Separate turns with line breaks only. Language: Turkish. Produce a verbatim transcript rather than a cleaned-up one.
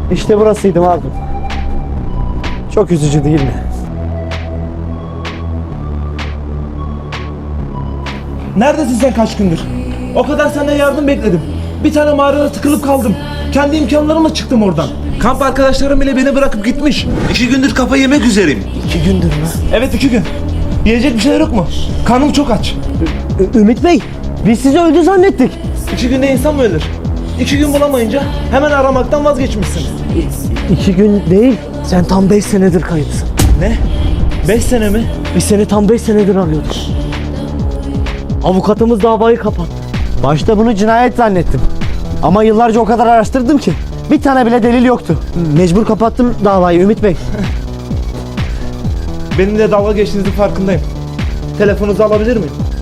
İşte burasıydı Mazlum. Çok üzücü değil mi?
Neredesin sen kaç gündür? O kadar senden yardım bekledim. Bir tane mağarada tıkılıp kaldım. Kendi imkanlarımla çıktım oradan. Kamp arkadaşlarım bile beni bırakıp gitmiş.
İki gündür kafa yemek üzereyim.
İki gündür mü?
Evet iki gün. Yiyecek bir şeyler yok mu? Karnım çok aç.
Ü- Ümit Bey, biz sizi öldü zannettik.
İki günde insan mı ölür? İki gün bulamayınca hemen aramaktan vazgeçmişsin.
İki gün değil, sen tam beş senedir kayıpsın.
Ne? Beş sene mi?
Biz seni tam beş senedir arıyorduk. Avukatımız davayı kapattı. Başta bunu cinayet zannettim. Ama yıllarca o kadar araştırdım ki bir tane bile delil yoktu. Mecbur kapattım davayı Ümit Bey.
Benimle dalga geçtiğinizin farkındayım. Telefonunuzu alabilir miyim?